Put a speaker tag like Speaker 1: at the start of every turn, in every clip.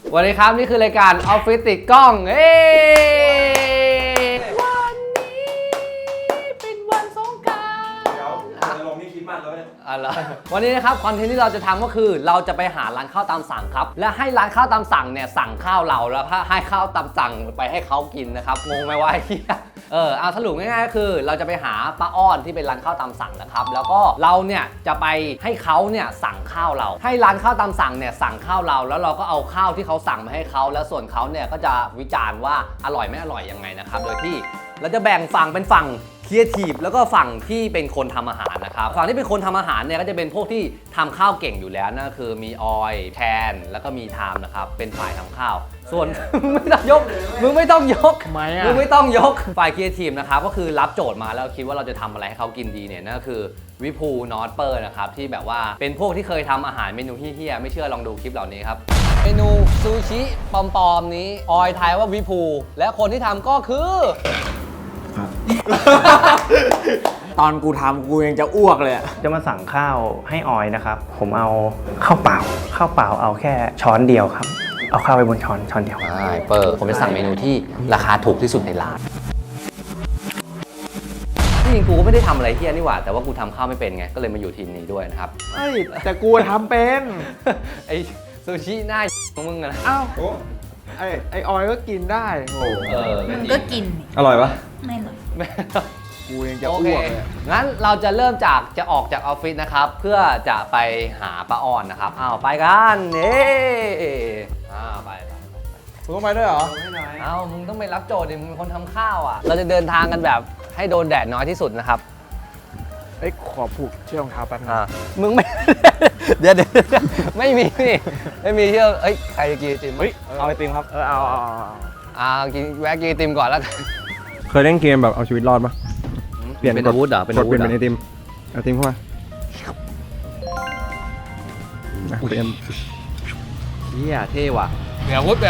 Speaker 1: สวัสดีครับนี่คือรายการออฟฟิศติดกล้องวันนี้เป็นวันสงกรานต์
Speaker 2: เดี๋ยวจะลงนี่คิดมันแล้วเนี่ย
Speaker 1: วันนี้นะครับคอนเทนต์ที่เราจะทำก็คือเราจะไปหาร้านข้าวตามสั่งครับและให้ร้านข้าวตามสั่งเนี่ยสั่งข้าวเราแล้วให้ข้าวตามสั่งไปให้เขากินนะครับงงไหมวะไอ้เหี้ยเอาสรุปง่ายๆก็คือเราจะไปหาป้าอ้อนที่เป็นร้านข้าวตามสั่งนะครับแล้วก็เราเนี่ยจะไปให้เขาเนี่ยสั่งข้าวเราให้ร้านข้าวตามสั่งเนี่ยสั่งข้าวเราแล้วเราก็เอาข้าวที่เขาสั่งมาให้เขาแล้วส่วนเขาเนี่ยก็จะวิจารณ์ว่าอร่อยไม่อร่อยยังไงนะครับโดยที่เราจะแบ่งฝั่งเป็นฝั่งครีเอทีฟแล้วก็ฝั่งที่เป็นคนทำอาหารนะครับฝั่งที่เป็นคนทำอาหารเนี่ยก็จะเป็นพวกที่ทำข้าวเก่งอยู่แล้วนั่นก็คือมีออยแทนแล้วก็มีไทม์นะครับเป็นฝ่ายทำข้าวส่วน ไม่ต้องยกมึงไม่ต้องยกมึงไม่ต้องยกฝ่ายครีเอทีฟนะครับก็คือรับโจทย์มาแล้วคิดว่าเราจะทำอะไรให้เขากินดีเนี่ยนั่นก็คือวิภูนอตเปอร์นะครับที่แบบว่าเป็นพวกที่เคยทำอาหารเมนูเฮี้ยๆไม่เชื่อลองดูคลิปเหล่านี้ครับเมนูซูชิปอมๆนี้ออยทายว่าวิภูและคนที่ทำก็คือ
Speaker 3: ตอนกูทำกูยังจะอ้วกเลย
Speaker 4: จะมาสั่งข้าวให้ออยนะครับผมเอาข้าวเปล่าเอาแค่ช้อนเดียวครับเอาข้าวไปบนช้อนเดียว
Speaker 1: ใช่เปิดผมจะสั่งเมนูที่ราคาถูกที่สุดในร้านที่จริงกูก็ไม่ได้ทำอะไรเฮี้ยนี่หว่าแต่ว่ากูทำข้าวไม่เป็นไงก็เลยมาอยู่ทีมนี้ด้วยนะครับ
Speaker 3: แต่กูทำเป็น
Speaker 1: ไอซูชิหน้าของมึงนะ
Speaker 3: อ้าวไอออยก็กินได้โอ้
Speaker 5: มันก็กิน
Speaker 2: อร่อยปะ
Speaker 5: ไม่หรอก
Speaker 3: กูยังจะอ้วกเลย
Speaker 1: งั้นเราจะเริ่มจากจะออกจากออฟฟิศนะครับเพื่อจะไปหาป้าอ้อนนะครับไปกันไป
Speaker 3: มึงต้องไปด้วยเหรอ
Speaker 1: มึงต้องไปรับโจทย์ดิมึงเป็นคนทำข้าวอ่ะเราจะเดินทางกันแบบให้โดนแดดน้อยที่สุดนะครับ
Speaker 3: ขอผูกเชือกรองเท้าแป๊บนึง
Speaker 1: มึงไม่ เดี๋ยวไม่มีนี่ไม่มีเชือกใครจะกินไอติม
Speaker 3: เอาไอติมครับ
Speaker 1: กินแวะกินไอติมก่อนแล้ว
Speaker 2: เคยเล่นเกมแบบเอาชีวิตรอดปะ
Speaker 1: เปลี่ยนเป็นอาวุธเหรอ
Speaker 2: เป็นอาวุธเป็นไอติมเข้ามาเปลี่ยน
Speaker 1: เฮียเท่ว่ะเปลี่ยนอาวุธ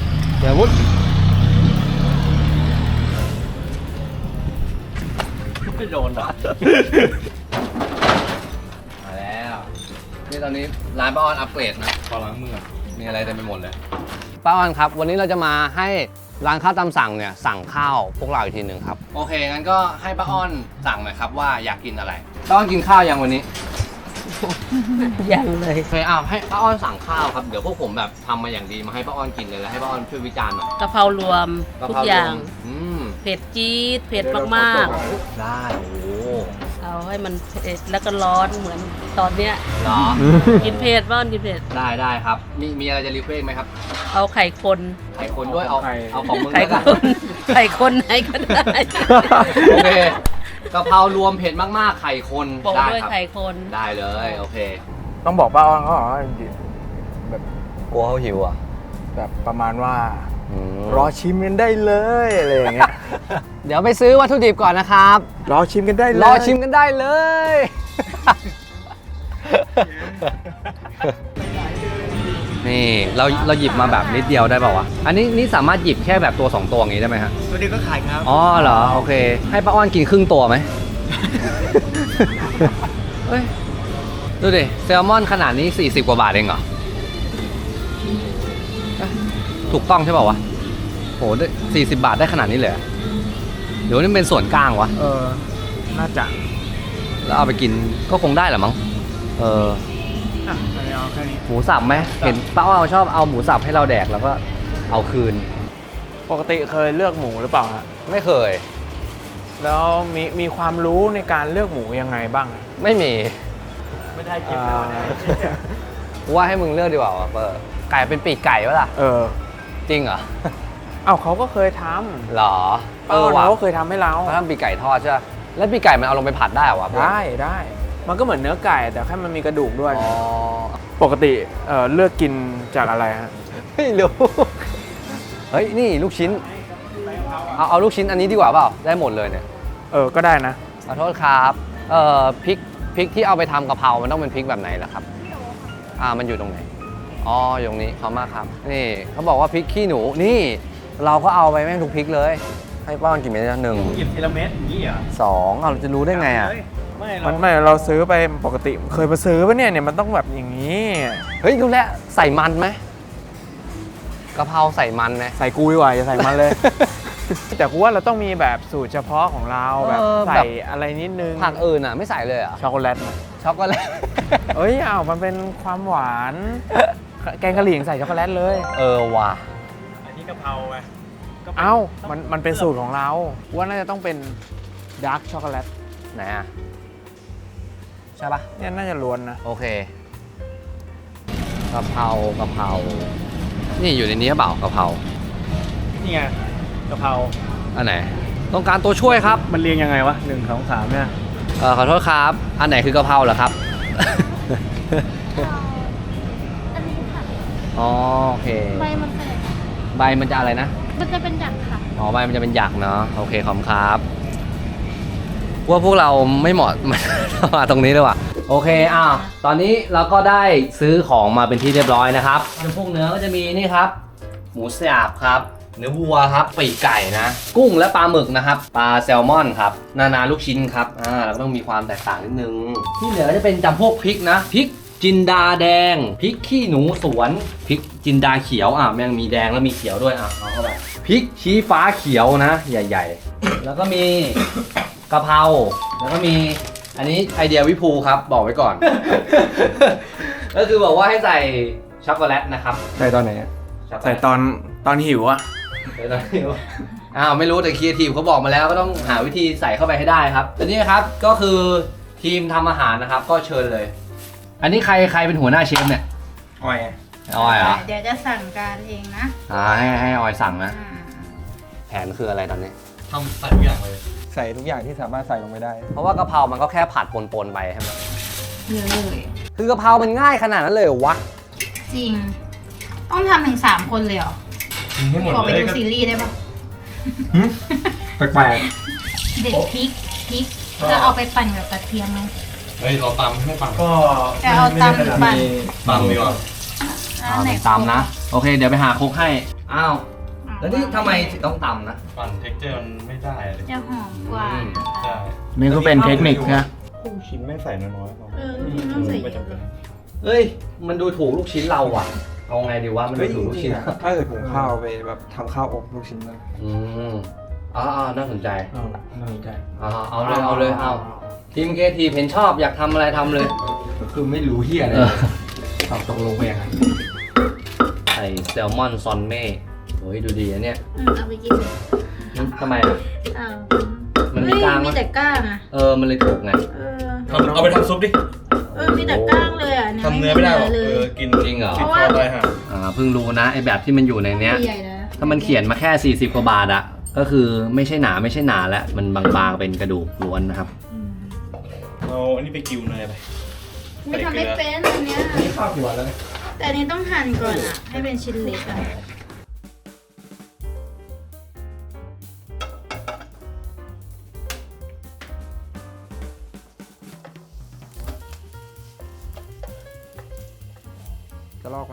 Speaker 1: ไม่โดนหรอมาแล้วนี่ตอนนี้ร้านป้าอ้อนอัปเกรดนะ
Speaker 2: ขอล้างมือ
Speaker 1: มีอะไรเต็มไปหมดเลยป้าอ้อนครับวันนี้เราจะมาให้ร้านข้าวตามสั่งเนี่ยสั่งข้าวพวกเราอีกทีหนึ่งครับโอเคงั้นก็ให้ป้าอ้อนสั่งหน่อยครับว่าอยากกินอะไรป้าอ้อนกินข้าวยังวันนี้
Speaker 5: ยังเลย
Speaker 1: เคยให้ป้าอ้อนสั่งข้าวครับเดี๋ยวพวกผมแบบทำมาอย่างดีมาให้ป้าอ้อนกินเลยแล้วให้ป้าอ้อนช่วยวิจารณ์หน่อย
Speaker 5: กะเพรารวมทุกอย่างเผ็ดจี๊ดเผ็ดมาก
Speaker 1: ๆได้โอ้
Speaker 5: เอาให้มันเผ็ดแล้วก็ร้อนเหมือนตอนเนี้ย
Speaker 1: หรอ
Speaker 5: กินเผ็ดบ้างกินเผ็ด
Speaker 1: ได้ครับมีอะไรจะรีเควสไหมครับ
Speaker 5: เอาไข่คน
Speaker 1: ด้วยเอาของมึง
Speaker 5: ไข่คนไหนก็ได้
Speaker 1: โอเคกะเพรารวมเผ็ดมากๆไข่คน
Speaker 5: ได้ครับไข่คน
Speaker 1: ได้เลยโอเค
Speaker 3: ต้องบอกป้าอ้อนเขาเหรอแบบ
Speaker 1: กลัวเขาหิวอ่ะ
Speaker 3: แบบประมาณว่ารอชิมกันได้เลยอะไรอย่างเงี้ย
Speaker 1: เดี๋ยวไปซื้อวัตถุดิบก่อนนะครับ
Speaker 3: รอชิมกันได้
Speaker 1: เลย นี่เราหยิบมาแบบนิดเดียวได้ป่าวะอันนี้นี่สามารถหยิบแค่แบบตัว2ตัวอย่างนี้ได้ไหมฮะ
Speaker 3: ตัวนี้ก็ขายครับ
Speaker 1: อ๋อเหรอโอเคให้ป้าอ้อนกินครึ่งตัวไหมเฮ้ยดูดิแซลมอนขนาดนี้40 กว่าบาทเองเหรอถูกต้องใช่ป่าววะโห40 บาทได้ขนาดนี้เลยเดี๋ยวนี่เป็นส่วนกลางวะ
Speaker 3: น่าจะ
Speaker 1: แล้วเอาไปกินก็คงได้แหละมั้ง
Speaker 3: เอาแค่นี้
Speaker 1: หมูสับไหมเห็นป้าอ้อนชอบเอาหมูสับให้เราแดกแล้วก็เอาคืน
Speaker 3: ปกติเคยเลือกหมูหรือเปล่าฮะ
Speaker 1: ไม่เคย
Speaker 3: แล้วมีความรู้ในการเลือกหมูยังไงบ้าง
Speaker 1: ไม่
Speaker 3: ได้กินแล้วนะ
Speaker 1: ว่าให้มึงเลือกดีกว่าเปอร์ไก่เป็นปีกไก่วะล่ะจริงเหรอ
Speaker 3: เขาก็เคยทำ
Speaker 1: หรอ
Speaker 3: เราก็เคยทำให้เรา
Speaker 1: ทำปีกไก่ทอดใช่ไหมแล้วปีกไก่มันเอาลงไปผัดได้เหรอวะ
Speaker 3: ได้มันก็เหมือนเนื้อไก่แต่แค่มันมีกระดูกด้วยปกติเลือกกินจากอะไรฮะ
Speaker 1: ไม่รู้เฮ้ยนี่ลูกชิ้นเอาลูกชิ้นอันนี้ดีกว่าเปล่าได้หมดเลยเนี่ย
Speaker 3: ก็ได้นะ
Speaker 1: ขอโทษครับพริกที่เอาไปทำกะเพรามันต้องเป็นพริกแบบไหนล่ะครับมันอยู่ตรงไหนอยู่ตรงนี้ขอบมากครับนี่เขาบอกว่าพริกขี้หนูนี่เราก็เอาไปแม่งทุกพริกเลยให้ป้อนกี่เม็ดนะ1
Speaker 3: หยิบทีละเม็ดนี่เหรอ
Speaker 1: 2เราจะรู้ได้ไง
Speaker 3: ไม่เราซื้อไปปกติเคยไปซื้อปะเนี่ยมันต้องแบบอย่างนี้
Speaker 1: เฮ้ยดูแลใส่มันไหมกะเพราใส่มันนะ
Speaker 3: ใส่กูดีกว่าอย่าใส่มันเลย แต่กูว่าเราต้องมีแบบสูตรเฉพาะของเราแบบใส่อะไรนิดนึง
Speaker 1: ผักอื่นอ่ะไม่ใส่เลยเหรอ่ะ
Speaker 3: ช็อกโกแลตไหม
Speaker 1: ช็อกโกแลต
Speaker 3: เอ้ยอ้าวมันเป็นความหวาน แกงกะหรี่ยังใส่ช็อกโกแลตเลย
Speaker 1: เออว่ะ
Speaker 4: อันนี้กะเพราไง
Speaker 3: เอ้ามันเป็นสูตรของเราว่าน่าจะต้องเป็นดาร์กช็อกโกแลต
Speaker 1: ไหนอ่ะใช่ปะ
Speaker 3: เนี่ยน่าจะล้วนนะ
Speaker 1: โอเคกะเพรากะเพรานี่อยู่ในนี้เปล่ากะเพรา
Speaker 4: นี่ไงกะเพรา
Speaker 1: อันไหนต้องการตัวช่วยครับ
Speaker 4: มันเรียงยังไงวะ1 2 3เนี่ย
Speaker 1: ขอโทษครับอันไหนคือกะเพราเหรอครับ
Speaker 6: อันนี้ค่ะ
Speaker 1: อ๋อโอเค
Speaker 6: ใบมันเป็นอย่างนี้
Speaker 1: ใบมันจะอะไรนะ
Speaker 6: มันจะเป็นหยักค่ะ
Speaker 1: อ๋อใบมันจะเป็นหยักเนาะโอเคขอบคุณครับว่าพวกเราไม่เหมาะ มาตรงนี้เลยว่ะโอเคตอนนี้เราก็ได้ซื้อของมาเป็นที่เรียบร้อยนะครับพวกเนื้อก็จะมีนี่ครับหมูสับครับเนื้อวัวครับปีกไก่นะ กุ้งและปลาหมึกนะครับปลาแซลมอนครับนาลูกชิ้นครับเราก็ต้องมีความแตกต่างนิดนึงที่เหลือจะเป็นจำพวกพริกนะพริกจินดาแดงพริกขี้หนูสวนพริกจินดาเขียวแม่งมีแดงแล้วมีเขียวด้วยเอาเข้าไปพริกชี้ฟ้าเขียวนะใหญ่ๆ แล้วก็มีกะเพราแล้วก็มีอันนี้ไอเดียวิภูครับบอกไว้ก่อน ก็คือบอกว่าให้ใส่ช็อกโกแลตนะครับ
Speaker 2: ใส่ตอนไหนอะ
Speaker 3: ใส่ตอนหิวอะ
Speaker 1: ใส่ตอนนี้ไม่รู้แต่ครีเอทีฟเขาบอกมาแล้วก็ต้องหาวิธีใส่เข้าไปให้ได้ครับแต่นี่ครับก็คือทีมทำอาหารนะครับก็เชิญเลย อันนี้ใครเป็นหัวหน้าเชฟเนี่ย
Speaker 2: อ้อย
Speaker 1: ออยเหรอ
Speaker 6: เดี๋ยวจะสั่งการเองนะ
Speaker 1: ให้ออยสั่งนะ
Speaker 6: อ่า
Speaker 1: แผนคืออะไรตอนนี้
Speaker 2: ทำใส่ทุกอย่างเลย ใส่ทุกอย่างที่สามารถใส่ลงไปได้
Speaker 1: เพราะว่ากะเพรามันก็แค่ผัดปนๆไปใช่ไหม
Speaker 6: เลย
Speaker 1: คือกะเพรามันง่ายขนาดนั้นเลยเหรอวะ
Speaker 6: จริง ต้องทำถึง3 คนเลยเหรอ
Speaker 2: ให้หมด
Speaker 6: ขอไป
Speaker 2: เลย
Speaker 6: ดูซีรีส์ได้ปะ
Speaker 2: แปลก
Speaker 6: เด็ดพริกจะเอาไปปั่นกับกระเทียมไหม
Speaker 2: เฮ้ยเราตำไม่ปั่น
Speaker 4: ก็
Speaker 6: จะเอาตำหรือปั่น
Speaker 2: ตำดีกว่า
Speaker 6: อันไหน
Speaker 1: ตำนะ โอเค เดี๋ยวไปหาครกให้ อ้าว แล้วนี่ทำไมถึงต้องตำนะ
Speaker 2: ปั่นเท็กเจอร์มันไม่ได้เลย
Speaker 6: จะหอมกว่านะคะ
Speaker 2: ใช่
Speaker 3: นี่ก็เป็นเทคนิคนะ
Speaker 2: ลูกชิ้นไม่ใส่น้อยๆ
Speaker 6: พี่ต้องใส่เยอะเลย
Speaker 1: เอ้ย มันดูถูกลูกชิ้นเราอ่ะ เอาไงดีวะ มันดูถูกลูกชิ้น
Speaker 2: ถ้าเกิดหุงข้าวไปแบบทำข้าวอบลูกชิ้นนะ
Speaker 1: อืมน่าสนใจ
Speaker 3: น่าสนใจ
Speaker 1: เอาเลยทีมเกทีเห็นชอบอยากทำอะไรทำเลย
Speaker 2: คือไม่รู้เฮียอะไรเอาตกลงไปยังไง
Speaker 1: ใส่แซลมอนซอนเม่โอ้ยดูดีอันเนี้ย
Speaker 6: เอาไปกินเลย
Speaker 1: ทำไมอ่ะ
Speaker 6: อ้าว
Speaker 1: มันมี
Speaker 6: เฮ้ย
Speaker 1: กล้าง
Speaker 6: มี
Speaker 1: ปะ
Speaker 6: แต่ก้างอะ
Speaker 1: มันเลยถูกไง
Speaker 2: เอาไปทำซุปดิ
Speaker 6: มีแต่ก้างเลยอะเนี่ย
Speaker 2: ทำเนื้อไม่ได้หรอก
Speaker 6: เลย
Speaker 2: กิน
Speaker 1: จริงเหรอ
Speaker 6: เพราะว่า
Speaker 2: ได้ฮะ
Speaker 1: เพิ่งรู้นะไอแบบที่มันอยู่ในเนี้ย
Speaker 6: ใหญ่ๆนะ
Speaker 1: ถ้ามันเขียนมาแค่ 40 กว่าบาทอะก็คือไม่ใช่หนาแล้วมันบางๆเป็นกระดูกล้วนนะครับ
Speaker 2: เอาอันนี้ไปกิวเนยไป
Speaker 6: ไม่ทำไม่เป็นอันเนี้ย
Speaker 2: นี่ข้าวกี่วันแล้ว
Speaker 6: แต่อันนี้ต้องหั่นก่อนอะให้เป็นชิ้นเล็กอะ
Speaker 2: จะลอกไหม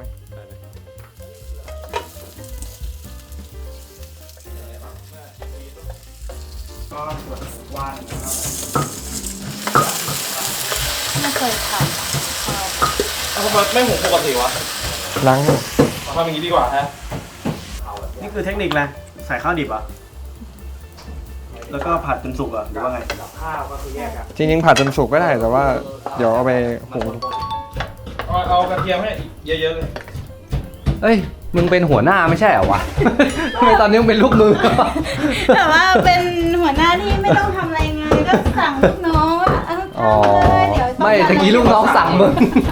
Speaker 6: ไม่เคยท
Speaker 2: ทำไมไม่หุงปกติวะ
Speaker 3: ล้าง
Speaker 2: ทำอย่างนี้ดีกว่าฮะ
Speaker 4: นี่คือเทคนิคแหละใส่ข้าวดิบอ่ะแล้วก็ผัดจนสุกอ่ะหรือว่าไง
Speaker 2: จริงๆผัดจนสุกก็ได้แต่ว่าเดี๋ยวเอาไปหุง
Speaker 7: เอากระเทียมให้เยอะๆเลย
Speaker 1: เอ้ย มึงเป็นหัวหน้าไม่ใช่เหรอวะ ทำไมตอนนี้มึงเป็นลูกมือ
Speaker 6: ำแต่ว่าเป็นหัวหน้าที่ไม่ต้องทำอะไรไงก็สั่งลูกน้องว่าทำเลยเดี๋ยวต้อง
Speaker 1: ไม่ตะกี้ลูกน้องสั่งมึง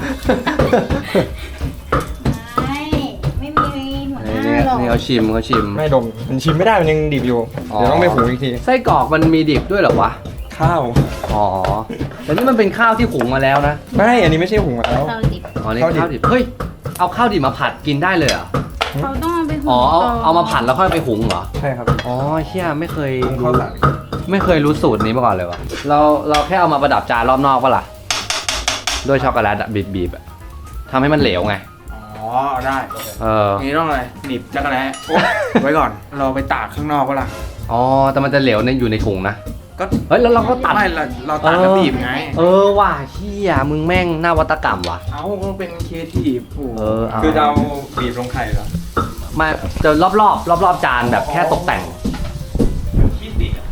Speaker 6: ไม่มีหัวหน้าหรอก
Speaker 1: นี่เขาชิม
Speaker 2: ไม่ดมมันชิมไม่ได้มันยังดิบอยู่ เดี๋ยวต้องไปหุงอีกที
Speaker 1: ไส้กรอกมันมีดิบด้วยเหรอวะ
Speaker 2: ข้าว
Speaker 1: อ๋อ แต่นี่มันเป็นข้าวที่หุงมาแล้วนะ
Speaker 2: ไม่อันนี้ไม่ใช่หุงมาแล้ว
Speaker 6: ข้าวดิบ
Speaker 1: อ๋อนี่
Speaker 2: ข้าวดิบ
Speaker 1: ข้าวดิบ เฮ้ย เอาข้าวดิบมาผัดกินได้เลยเหรอ
Speaker 6: เขาต้องเอาไปหุง
Speaker 1: อ๋อ
Speaker 6: ก่น
Speaker 1: เอามาผัดแล้วค่อยไปหุงเหรอ
Speaker 2: ใช่ครับ
Speaker 1: อ๋อเชี่ยไม่เคย
Speaker 2: หุง
Speaker 1: รู้
Speaker 2: ข้าวสาร
Speaker 1: ไม่เคยรู้สูตรนี้มาก่อนเลยวะเราแค่เอามาประดับจานรอบนอกปะล่ะ ด้วยช็อกโกแลตอะบีบๆอะทำให้มันเหลวไง
Speaker 3: อ๋อได้ นี่ต้องอะไรหนีบจักรแร้ไว้ก่อน เราไปตากข้างนอกก็ล่ะ
Speaker 1: อ๋อ แต่มันจะเหลวอยู่ในถุงนะ
Speaker 3: ก็
Speaker 1: เฮ้ย แล้วเราก็ตัด
Speaker 3: ไม่เราตัดแล้วบีบไง
Speaker 1: ว่ะเชี่ยมึงแม่งหน้าวัตกรรมว่ะ
Speaker 3: เอาก็เป็นครีเอทีฟโอ้โห
Speaker 1: เอา
Speaker 2: คือจะเอาบีบลงไข่เหรอ
Speaker 1: ไมาจะรอบจานแบบแค่ตกแต่ง
Speaker 7: ขี้ติดอะ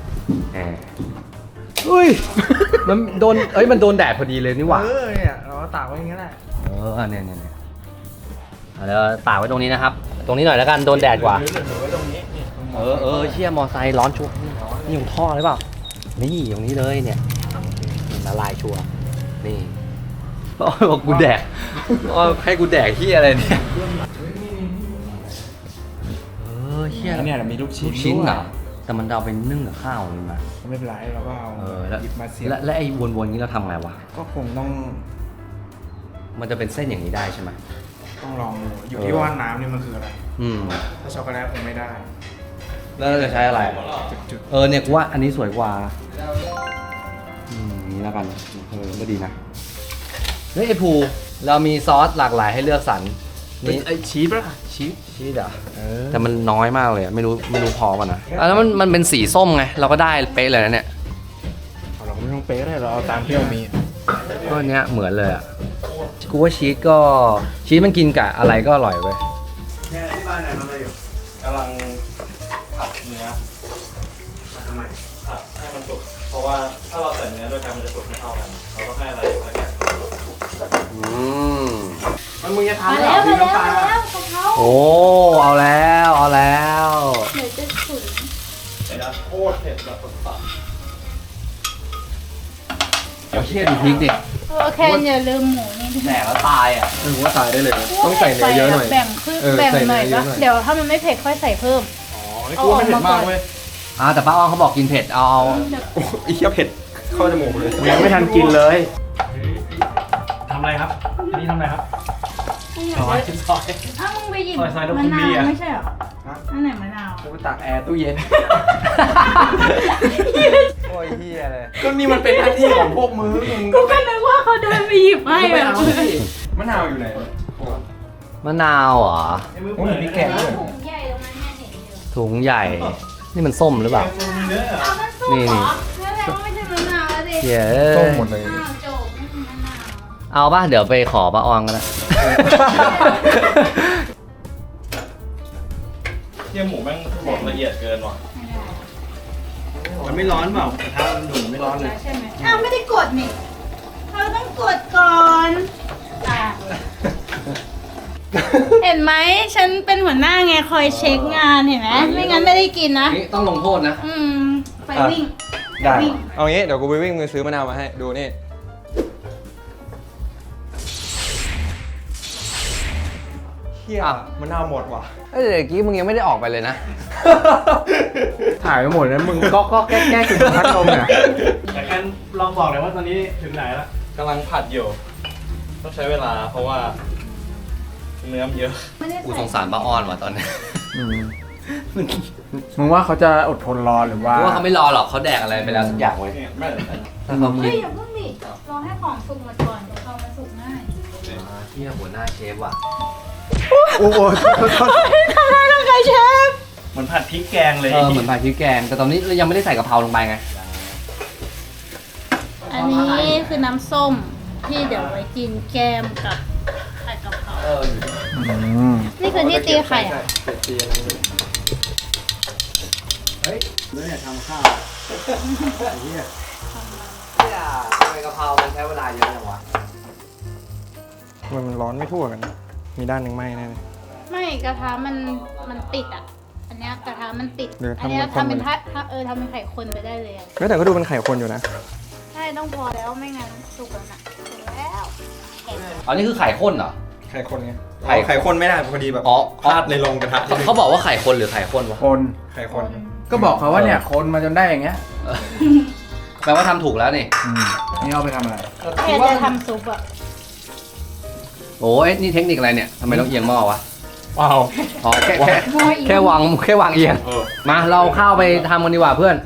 Speaker 1: อุ้ย มันโดนมันโดนแดดพอดีเลยนี่หว่า
Speaker 3: เนี่ยเราก็ตากไว้อย่างนี้แหละ
Speaker 1: เนี่ยเดี๋ยวตากไว้ตรงนี้นะครับ ตรงนี้หน่อยแล้วกันโดนแดดกว่า
Speaker 7: หรือไว้ตรงนี้นี่ตรงนี้
Speaker 1: เชี่ยมอไซค์ร้อนชัวร์นี่ของท่อหรือเปล่า นี่ตรงนี้เลยเนี่ยละลายชัวร์นี่บอกกูแดกให้กูแดกที่อะไรเนี่ยเชี่ย
Speaker 3: เนี่ยมีลูกชิ้น
Speaker 1: ชิ้นเหรอแต่มันเอาไปนึ่งกับข้าวมันมา
Speaker 3: ไม่เป็นไรเราก็เอา
Speaker 1: แล้ว
Speaker 3: หยิบมาเสียบ
Speaker 1: และไอ้วนๆนี้เราทำไงวะ
Speaker 3: ก็คงต้อง
Speaker 1: มันจะเป็นเส้นอย่างนี้ได้ใช่ไหม
Speaker 3: ต้องลองดูอยู่ที่ว่าน้ำนี่มันคืออะไร
Speaker 1: อืม
Speaker 3: ถ้าช็อกโกแลตคงไม่ได้
Speaker 1: แล้วเราจะใช้อะไร
Speaker 3: จุด
Speaker 1: เนี่ยกูว่าอันนี้สวยกว่านี่แล้วกันก็ดีนะเฮ้ยไอ้ภูเรามีซอสหลากหลายให้เลือกสรร
Speaker 3: ๆนี่ไอชีสป่ะชีส
Speaker 1: อ่ะแต่มันน้อยมากเลยอะไม่รู้พอป่ะนะแล้วมันเป็นสีส้มไงเราก็ได้เป๊ะเลยนะเนี่ย
Speaker 3: เราก็ไม่ต้องเป๊ะเลยเราเอาตามที่เรามี
Speaker 1: ก็เนี้ยเหมือนเลยอ่ะกูว่าชีสมันกินกับอะไรก็อร่อยเว้ย
Speaker 3: เนี่ยที่บ้านไหนทำอะไรอยู่
Speaker 7: กำลังผัดเนื้อ
Speaker 3: ทำไม
Speaker 7: ผัดให้มันสุกเพราะว่าถ้าเราใส่เนื้อด้วยกันมันจะสุกไม่เท่ากัน เราต้องให้อะไรแล้วกัน
Speaker 3: มันมึงจะ
Speaker 6: มา
Speaker 3: ทำเหร
Speaker 6: แล้
Speaker 3: อ
Speaker 6: ว
Speaker 3: พี่
Speaker 6: มา
Speaker 3: น้ำปลา
Speaker 6: แล้วกะเพรา
Speaker 1: โอ้เอาแล้ว
Speaker 6: เดี๋ยวจะฉุน
Speaker 7: แต่ละโคตรเผ็ดแบบสุด
Speaker 1: เดี๋ยวเชี่ยดูพริกดิ
Speaker 6: โอเคอย่าลืมหมูนี่
Speaker 1: แตกแล้วตายอ่ะ
Speaker 2: ผมว่าตายได้เลยนะต้องใส่เนื้อเยอะหน่อย
Speaker 6: แบ่งครึ่ง
Speaker 2: เออ
Speaker 6: แบ่ง
Speaker 2: ใส่
Speaker 6: หน่อย
Speaker 2: เนื้อเย
Speaker 6: ปะ
Speaker 2: อะหน่อย
Speaker 6: เดี๋ยวถ้ามันไม่เผ็ดค่อยใส่เพิ่ม
Speaker 3: อ๋อนี่กูว่าไม่เผ็ดมากเว้ย
Speaker 1: แต่ป้าอ้อมเขาบอกกินเผ็ดเอา
Speaker 2: โอ้ยเหี้ยเผ็ดเข้าจมูกเลย
Speaker 3: ยังไม่ทันกินเลย
Speaker 4: ทำอะไรครับ อันนี้ทำอะไรครับ
Speaker 6: ซอยอ้าวมึงไปหยิบ
Speaker 4: ซอยลูก
Speaker 6: มะ
Speaker 4: คุณ
Speaker 6: นา
Speaker 4: บี
Speaker 6: ว
Speaker 4: อะ
Speaker 6: ไม่ใช่เหรออันไหนมะนาว
Speaker 3: กูไปตักแอร์ตู้เย็น
Speaker 1: โอ้ยเฮียเลย
Speaker 3: ก็นี่มันเป็นหน้าที่ของพวกมึง
Speaker 6: กูก็นึกว่าเขาเดินไปหยิบให้
Speaker 3: ไม่
Speaker 6: แบบ
Speaker 3: เอาสิมะนาวอยู่ไหน
Speaker 1: มะนาวเหรอ
Speaker 3: โอ้ยมีแกงด้วย
Speaker 6: ถุงใหญ่ตรงนั้นเนี่ยเห็นอยู่
Speaker 1: ถุงใหญ่ นี่มันส้มหรือเปล่า
Speaker 6: เอามันสุกเหรอนั่นแหละว่าไม่ใช่มะนาวแล้วดิ
Speaker 1: เหี้ย
Speaker 2: ต้มหมดเลย
Speaker 6: อ้าวโจบไม่ใช่มะนาว
Speaker 1: เอาป่ะเดี๋ยวไปขอป้าอองกันละ
Speaker 7: เที่ยหมูแม่งบดละเอียดเกินว่ะ
Speaker 3: มันไม่ร้อนเปล่ากระทะมันดูไม่ร้อนเลย
Speaker 6: ใช่ไหมอ้าวไม่ได้กดนี่เราต้องกดก่อนอ่ะเห็นไหมฉันเป็นหัวหน้าไงคอยเช็คงานเห็นไหมไม่งั้นไม่ได้กินนะ
Speaker 1: นี่ต้องลงโทษนะ
Speaker 6: ไปวิ่ง
Speaker 2: ได้
Speaker 6: วิ่ง
Speaker 2: เอางี้เดี๋ยวกูไปวิ่งมือซื้อมะนาวมาให้ดูนี่เฮียมะนาวหมดว่ะ
Speaker 1: เอ้ยเดี๋ยวกี้มึงยังไม่ได้ออกไปเลยนะ
Speaker 3: ถ่ายไปหมดแล้วมึงก็แก้กินพัดลมเนี่ย
Speaker 4: แต่กันลองบอกเลยว่าตอนนี้ถึงไหนแล้ว
Speaker 7: กำลังผัดอยู่ ต้องใช้เวลาเพราะว่าเนื้อมันเยอะ
Speaker 6: ไม่ได้
Speaker 1: กูส
Speaker 6: ใส่
Speaker 1: งสารป้าอ้อนว่ะตอนนี้
Speaker 3: มึงว่าเขาจะอดทนรอหรือว่า
Speaker 1: เพราะว่าเขาไม่รอหรอกเขาแดกอะไรไปแล้วสักอย่างเว้ย
Speaker 7: เนี่ยไม่
Speaker 1: ถ้าเขา
Speaker 6: เฮ้
Speaker 1: คิ
Speaker 6: ย
Speaker 1: ด
Speaker 6: อย่าเพิ่งดิรอให้ของสุกหมดก่อนเดี๋ยวเขามาสุกง่าย
Speaker 1: เที่ยหัวหน้าเชฟว่ะ
Speaker 2: โอ้โห
Speaker 6: ทำไมต้องใช้เชฟ
Speaker 4: เหมือนผัดพริกแกงเลย
Speaker 1: เหมือนผัดพริกแกง แต่ตอนนี้เรายังไม่ได้ใส่กะเพราลงไปไง
Speaker 6: อันนี้คือน้ำส้มที่เดี๋ยวไว้กินแกมกับไข่กะเพรานี่คือที่ตีไข่อะ
Speaker 1: ทำไมกะเพรามันใช้เวลาเยอะจังวะ
Speaker 2: มันร้อนไม่ทั่วกัน มีด้านหนึ่งไหม้แน่เลย
Speaker 6: ไม่กระทะมันติดอ่ะ อันเนี้ยกระทะมันติด
Speaker 2: เดี๋ยวทำ
Speaker 6: อันเนี้ย
Speaker 2: เป็นคน
Speaker 6: ทำเป็น
Speaker 2: เลย
Speaker 6: ถ้าทำเป็นไข่คนไปได้เลยอะ
Speaker 2: เฮ้ยแต่ก็ดูเป็นไข่คนอยู่นะ
Speaker 6: ใช่ต้องพอแล้วไม่งั้นสุกแล้วนะสุกแล้ว
Speaker 1: อันนี้คือไข่ข้นเหรอ
Speaker 2: ไข่คนไง
Speaker 1: ไข่
Speaker 2: ไข่คนไม่ได้พอดีแบบ
Speaker 1: อ๋อ
Speaker 2: พลาดในโรงกระทะที่
Speaker 1: เขาบอกว่าไข่คนหรือไข่ข้นวะ
Speaker 3: คน
Speaker 2: ไข่คน
Speaker 3: ก็บอกเขาว่าเนี่ยคนมาจนได้อย่างเงี้ย
Speaker 1: แปลว่าทำถูกแล้วนี่
Speaker 3: นี่เอาไปทำอะไร
Speaker 6: แค่จะทำซุปอ่ะ
Speaker 1: โอ้ยนี่เทคนิคอะไรเนี่ยทำไมต้องเอียงหม้อวะ
Speaker 3: ว้าว
Speaker 1: อ๋อแค่
Speaker 6: หม้ออีก
Speaker 1: แค่วางเอียง มาเราเข้าไปทำกันดีกว่าเพื่อน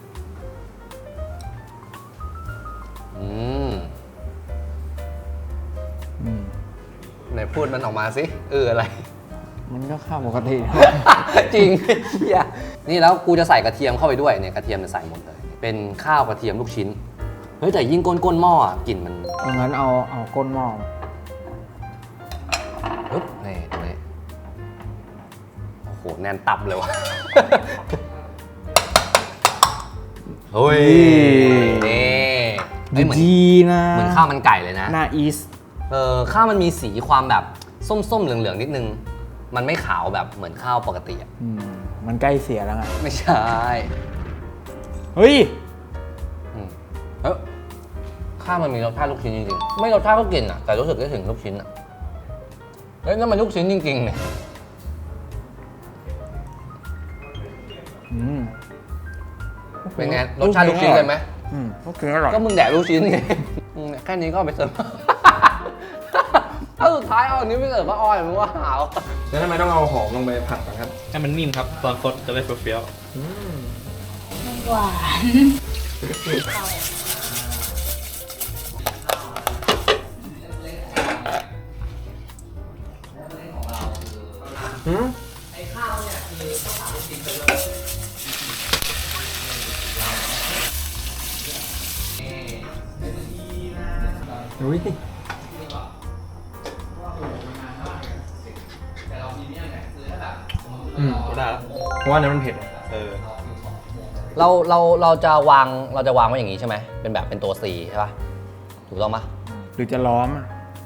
Speaker 1: ไหนพูดมันออกมาสิอะไร
Speaker 3: มันก็ข้าวปกติ
Speaker 1: จริงเหี้ยนี่แล้วกูจะใส่กระเทียมเข้าไปด้วยเนี่ยกระเทียมจะใส่หมดเลย เป็นข้าวกระเทียมลูกชิ้น เฮ้ยแต่ยิ่งก้นหม้ออ่ะกลิ่นมัน
Speaker 3: งั้นเอาก้นหม้อ
Speaker 1: ปึ๊บนี่ตรงนี้โหแน่นตับเลยวะ เฮ้ยนี่เฮ้ยเหมือน
Speaker 3: ดีนะ
Speaker 1: เหมือนข้าวมันไก่เลยนะ
Speaker 3: หน้าอีส
Speaker 1: ข้าวมันมีสีความแบบส้มๆเหลืองๆนิดนึงมันไม่ขาวแบบเหมือนข้าวปกติอะ
Speaker 3: มันใกล้เสียแล้วไง
Speaker 1: ไม่ใช่
Speaker 3: เฮ้ย
Speaker 1: เอ้ยข้าวมันมีรสชาติลูกชิ้นจริงๆไม่รสชาติก็กินอะแต่รู้สึกได้ถึงลูกชิ้นอะเฮ้ยนั่นมันลูกชิ้นจริงๆเนี่ย เป็นไงรสชาติลูกชิ้นเลยไหม
Speaker 3: ก็คืออร่อย
Speaker 1: ก็มึงแดกลูกชิ้นไงแค่นี้ก็เอาไปเสิร์ฟ ถ้าสุดท้ายเอาอันนี้ไปเสิร์ฟป้าอ้อยมึงว่าหาว
Speaker 2: แล้วทำไมต้องเอาหอมลงไปผัดนะครับ
Speaker 7: ให้มันนิ่มครับ ตอนคดจะได้เฟี้ยว
Speaker 6: หวาน
Speaker 2: อุ้ย
Speaker 7: ๆได้แล้ว
Speaker 2: เพราะว่าน้ำมันเผ็ด
Speaker 1: เราจะวางไว้อย่างนี้ใช่ไหมเป็นแบบเป็นตัว C ใช่ป่ะถูกต้องปะ
Speaker 3: หรือจะล้อม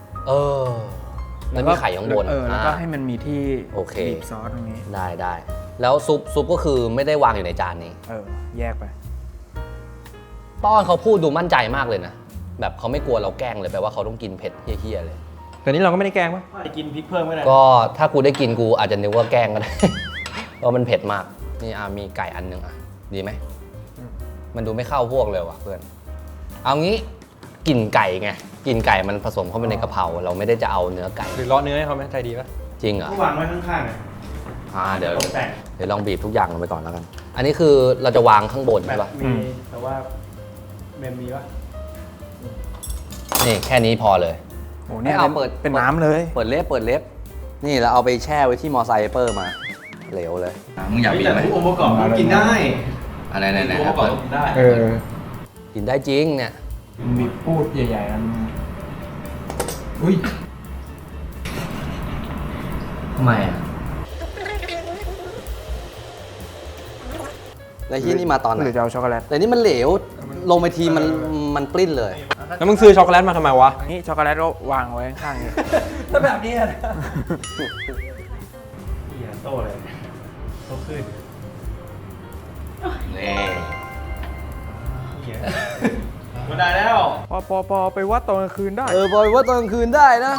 Speaker 1: แล้วมีไข่ข้างบน
Speaker 3: แล้วก็ให้มันมีที่
Speaker 1: โอเค
Speaker 3: บีบซอสตรงนี้
Speaker 1: ได้แล้วซุปก็คือไม่ได้วางอยู่ในจานนี้
Speaker 3: แยกไป
Speaker 1: ป้อนเขาพูดดูมั่นใจมากเลยนะแบบเขาไม่กลัวเราแกล้งเลยแปลว่าเขาต้องกินเผ็ดเฮี้ยๆเลย
Speaker 2: แต่นี้เราก็ไม่ได้แกล้งปะ
Speaker 7: ไปกินพริกเพิ่มก็ได้
Speaker 1: ก็ถ้ากูได้กินกูอาจจะนึกว่าแกล้งก็ได้ เพราะมันเผ็ดมากนี่มีไก่อันหนึงดีไหมมันดูไม่เข้าพวกเลยว่ะเพื่อนเอางี้กลิ่นไก่ไงกลิ่นไก่มันผสมเข้าไปในกะเพราเราไม่ได้จะเอาเนื้อไก่
Speaker 2: หรือเลาะเนื้อให้เขาไหมใจดีปะ
Speaker 1: จริงเหรอ
Speaker 7: วางไว้ข้างๆอ่ะ
Speaker 1: เดี๋ยว
Speaker 7: ตกแต่ง
Speaker 1: ลองบีบทุกอย่างลงไปก่อนแล้วกัน อันนี้คือเราจะวางข้างบนใช่ปะ
Speaker 7: มีแต่ว่าเมมมีวะ
Speaker 1: นี่แค่นี้พอเลย
Speaker 3: โอ้เนี่ย
Speaker 1: ไม่เอาเปิด
Speaker 3: เป็นน้ำเลย
Speaker 1: เปิดเล็บนี่เราเอาไปแช่ไว้ที่มอไซค์เปอร์มาเหลวเลยมึงอยากบีบไหม
Speaker 7: แต่องค์ประกอบมันกินได้
Speaker 1: อะไรไหน
Speaker 7: องค์ประกอบกินได้
Speaker 1: กินได้จริงเนี่ย
Speaker 3: มีพูดใหญ่ๆอัน
Speaker 2: อุ้ย
Speaker 1: ทำไมแล้วที่นี่มาตอนไหน
Speaker 3: หรือจะเอาช็อกโกแลต
Speaker 1: แต่นี่มันเหลวลงไปทีมันปลิ้นเลย
Speaker 2: แล้วมึงซื้อช็อกโกแลตมาทำไมวะ
Speaker 3: นี่ช็อกโกแลตก็วางไว้ข้างๆนี้
Speaker 2: ถ้าแบบนี้นะ
Speaker 7: เหี้ยโตเลยโตขึ้น
Speaker 1: นี่
Speaker 7: เหี้ยมันได้แล้ว
Speaker 3: พอไปวัดตอนกลางคืนได้
Speaker 1: บอยว่าตอนกลางคืนได้นะ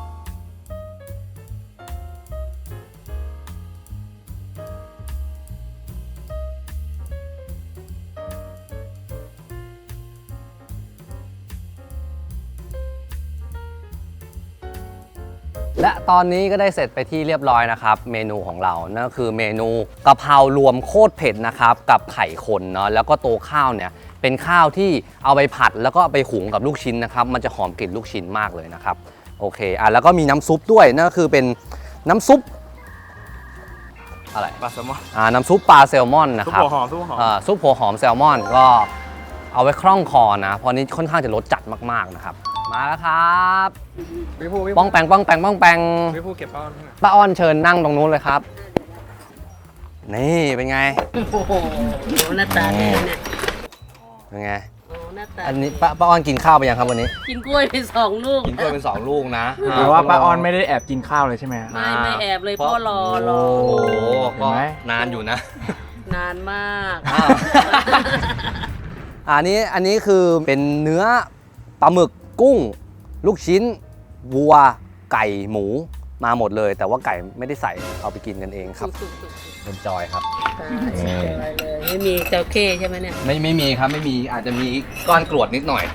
Speaker 1: และตอนนี้ก็ได้เสร็จไปที่เรียบร้อยนะครับเมนูของเรานั่นก็คือเมนูกะเพรารวมโคตรเผ็ดนะครับกับไข่คนเนาะแล้วก็ตัวข้าวเนี่ยเป็นข้าวที่เอาไปผัดแล้วก็เอาไปหุงกับลูกชิ้นนะครับมันจะหอมกลิ่นลูกชิ้นมากเลยนะครับโอเคแล้วก็มีน้ำซุปด้วยนั่นก็คือเป็นน้ำซุปอะไร
Speaker 7: ปลาแซลมอน
Speaker 1: น้ำซุปปลาแซลมอนนะครับ
Speaker 7: ซุปหัวหอมซุปหัวหอม
Speaker 1: ซุปหัวหอมแซลมอนก็เอาไว้คล่องคอนะเพราะนี้ค่อนข้างจะรสจัดมากๆนะครับมาแล้วครับ
Speaker 2: พี่ผู้
Speaker 1: ป้องแปง
Speaker 2: พี่ผู้เก็บป้อนให้หน่อย
Speaker 1: ป้าอ้อนเชิญนั่งตรงนู้นเลยครับ นี่เป็นไง
Speaker 5: โอ้โหหน้าตาดีเนี่ย
Speaker 1: เป็นไง
Speaker 5: โอ้หน้าตา
Speaker 1: อันนี้ป้าอ้อนกินข้าวไปยังครับวันนี้
Speaker 5: กินกล้วยไป2 ลูก
Speaker 1: กินกล้วยเป็น2 ลูกนะ
Speaker 3: แต่ว่าป้าออนไม่ได้แอบกินข้าวเลยใช่ไหม
Speaker 5: ไม่แอบเลยพ่อรอ
Speaker 1: โอ้โห
Speaker 3: เห็
Speaker 1: ก็
Speaker 3: นไหม
Speaker 1: นานอยู่นะ
Speaker 5: นานมาก
Speaker 1: อ้าว อันนี้คือเป็นเนื้อปลาหมึกกุ้ง ลูกชิ้น วัว ไก่หมูมาหมดเลย แต่ว่าไก่ไม่ได้ใส่เอาไปกินกันเองครับเป็นจอยครับ
Speaker 5: ไม่มีเจ้าเข้ใช่ไหมเนี่ย
Speaker 1: ไม่มีครับไม่มีอาจจะมีก้อนกรวดนิดหน่อย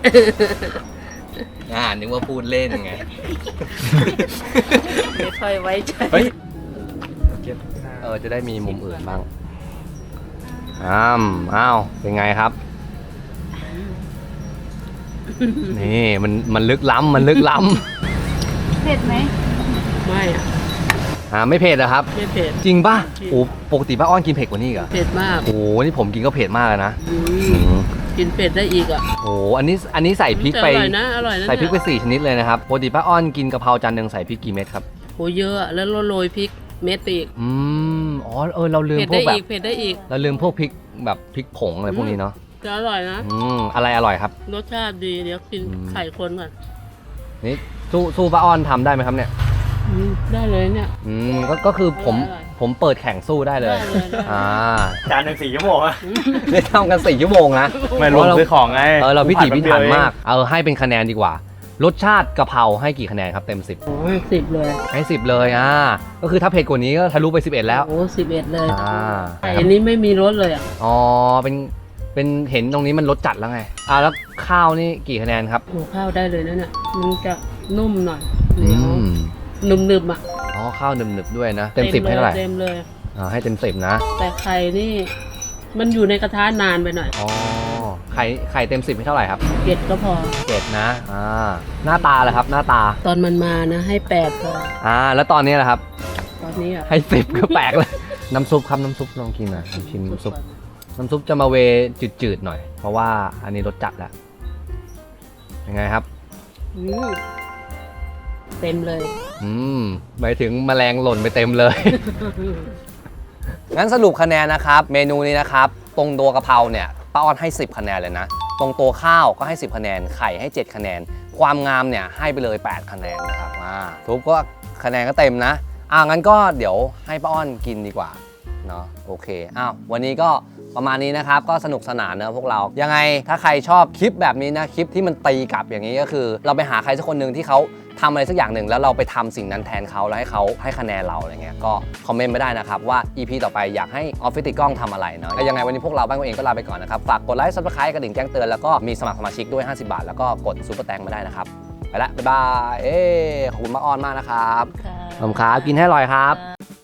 Speaker 1: นึกว่าพูดเล่นไง
Speaker 5: ไม่ค่อยไว้ใจ
Speaker 2: เฮ้ย
Speaker 1: จะได้มีมุมอื่นบ้างอ้าวเป็นไงครับ นี่มันลึกล้ำ
Speaker 6: เผ็ดไหม
Speaker 5: ไม่อะ
Speaker 1: ไม่เผ็ดนะครับ
Speaker 5: ไม่เผ็ด
Speaker 1: จริงป่ะโอ้ปกติป้าอ้อนกินเผ็ดกว่านี้อีกเหรอ
Speaker 5: เผ็ดมาก
Speaker 1: โอ้นี่ผมกินก็เผ็ดมากเลยนะ
Speaker 5: กินเผ็ดได้อีกอ่ะ
Speaker 1: โอ้อันนี้ใส่พริกไป
Speaker 5: อร่อยนะ
Speaker 1: ใส่พริกไป4 ชนิดเลยนะครับปกติป้าอ้อนกินกะเพราจานหนึ่งใส่พริกกี่เม็ดครับ
Speaker 5: โหเยอะอะแล้วโรยพริกเม็ดไปอีก
Speaker 1: อ๋อเราลืม
Speaker 5: เผ็ด
Speaker 1: พว
Speaker 5: ได้
Speaker 1: กแบ
Speaker 5: อี
Speaker 1: บ
Speaker 5: กเผ็ดได้อีก
Speaker 1: เราลืมพวกพริกแบบพริกผงอะไรพวกนี้เนาะ
Speaker 5: จะอร่อยนะ
Speaker 1: อะไรอร่อยครับ
Speaker 5: รสชาติดีเดี๋ยวกินไข่คนก่อน
Speaker 1: นี่สู้ป้าอ้อนทำได้ไหมครับเนี่ย
Speaker 5: ได้เลยเนี่ย
Speaker 1: ก็คือผม
Speaker 5: อร่อย
Speaker 1: ผมเปิดแข่งสู้ได้เลย
Speaker 5: ได้เลยได้
Speaker 4: จานหนึ่ง4 ชั่วโมงอะ
Speaker 1: ได้ทำกัน4 ชั่วโมงนะ
Speaker 4: ไม่รวมซื้อของไง
Speaker 1: เราพิถีพิถันมาก
Speaker 4: ผัดแป๊บเดียว
Speaker 1: ให้เป็นคะแนนดีกว่า รสชาติกะเพราให้กี่คะแนนครับเต็ม 10
Speaker 5: โอ้ย10 เลย
Speaker 1: ให้ 10 เลยก็คือถ้าเผ็ดกว่านี้ก็ทะลุไป 11 แล้ว
Speaker 5: โอ้11 เลย
Speaker 1: ใช่
Speaker 5: ไข่
Speaker 1: ครับ
Speaker 5: อันนี้ไม่มีรสเลยอ่ะ
Speaker 1: อ๋อเป็นเห็นตรงนี้มันรสจัดแล้วไงแล้วข้าวนี่กี่คะแนนครับ
Speaker 5: โอ้ข้าวได้เลยนะเนี่ยมันจะนุ่มหน่อยเห
Speaker 1: อื
Speaker 5: นียว
Speaker 1: ม
Speaker 5: นุ่มๆอ่ะ
Speaker 1: อ๋อข้าวหนึบๆด้วยนะเต็ม 10ให้เท่าไหร่
Speaker 5: เต็มเลย
Speaker 1: ให้เต็ม 10นะ
Speaker 5: แต่ไข่นี่ มันอยู่ในกระทะนานไปหน่อย
Speaker 1: อ๋อไข่เต็ม 10ให้เท่าไหร่ครับ
Speaker 5: 7ก็พอ
Speaker 1: 7นะหน้าตาเลยครับหน้าตา
Speaker 5: ตอนมันมานะให้8พอ
Speaker 1: แล้วตอนนี้แหละครับ
Speaker 5: ตอนนี้อ่ะ
Speaker 1: ให้10ก็แปลกเลยน้ำซุปครับน้ำซุปลองกินหน่อยลองชิมน้ำซุปจะมาเวจืดๆหน่อย เพราะว่าอันนี้รสจัดแล้วยังไงครับ
Speaker 5: อืมเต็มเลย
Speaker 1: หมายถึงแมลงหล่นไปเต็มเลย งั้นสรุปคะแนนนะครับ เมนูนี้นะครับ ตรงตัวกะเพราเนี่ยป้าออนให้ 10 คะแนนเลยนะ ตรงตัวข้าวก็ให้ 10 คะแนน ไข่ให้ 7 คะแนน ความงามเนี่ยให้ไปเลย 8 คะแนนนะครับทุกก็คะแนนก็เต็มนะงั้นก็เดี๋ยวให้ป้าอ้อนกินดีกว่าเนาะโอเควันนี้ก็ประมาณนี้นะครับก็สนุกสนานเนอะพวกเรายังไงถ้าใครชอบคลิปแบบนี้นะคลิปที่มันตีกลับอย่างนี้ก็คือ เราไปหาใครสักคนหนึ่งที่เขาทำอะไรสักอย่างหนึ่งแล้วเราไปทำสิ่งนั้นแทนเขาแล้วให้เขาให้คะแนนเราอะไรเงี้ยก็คอมเมนต์ไม่ได้นะครับว่า EP ต่อไปอยากให้ออฟฟิศติดกล้องทำอะไรเนาะแล้วยังไงวันนี้พวกเราบ้านตัวเองก็ลาไปก่อนนะครับฝากกดไลค์ซับสไครต์กระดิ่งแจ้งเตือนแล้วก็มีสมัครสมาชิกด้วย50 บาทแล้วก็กดซุปเปอร์แตงมาได้นะครับไปละบ๊ายบายขอบคุณมากออนมากนะครับ
Speaker 5: ค่ะ
Speaker 1: ขอบคุณครับกินให้อร่อยครับ
Speaker 5: ค่ะ